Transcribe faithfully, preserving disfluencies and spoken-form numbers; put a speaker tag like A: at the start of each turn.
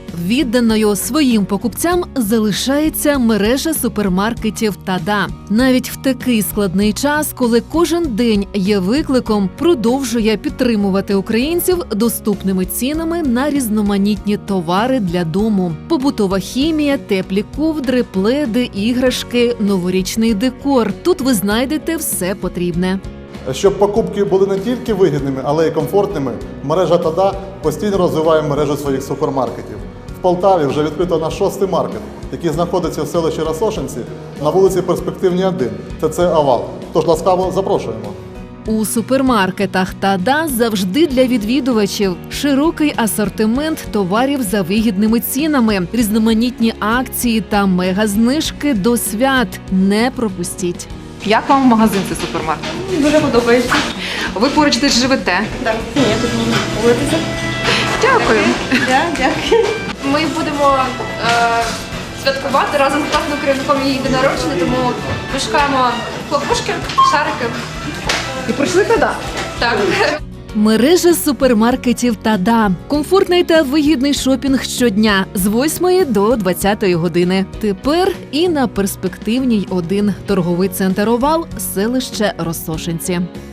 A: Відданою своїм покупцям залишається мережа супермаркетів «Тада». Навіть в такий складний час, коли кожен день є викликом, продовжує підтримувати українців доступними цінами на різноманітні товари для дому. Побутова хімія, теплі ковдри, пледи, іграшки, новорічний декор. Тут ви знайдете все потрібне.
B: Щоб покупки були не тільки вигідними, але й комфортними, мережа «Тада» постійно розвиває мережу своїх супермаркетів. В Полтаві вже відкрито наш шостий маркет, який знаходиться в селищі Росошинці на вулиці Перспективній один, ТЦ «Авал». Тож ласкаво запрошуємо.
A: У супермаркетах «Тада» завжди для відвідувачів широкий асортимент товарів за вигідними цінами, різноманітні акції та мегазнижки до свят. Не пропустіть.
C: Як вам магазин цей супермаркет?
D: Дуже подобається.
C: Ви поруч десь живете?
D: Так, ні, тут можна вулитися.
C: Дякую.
D: Дякую.
E: Ми будемо е, святкувати разом з класним керівником її день народження, тому ми шукаємо хлопушки, шарики.
C: І прийшли туди?
E: Так.
A: Мережа супермаркетів «Тада». Комфортний та вигідний шопінг щодня з восьмої до двадцятої години. Тепер і на Перспективній один. Торговий центр «Овал», селище Росошинці.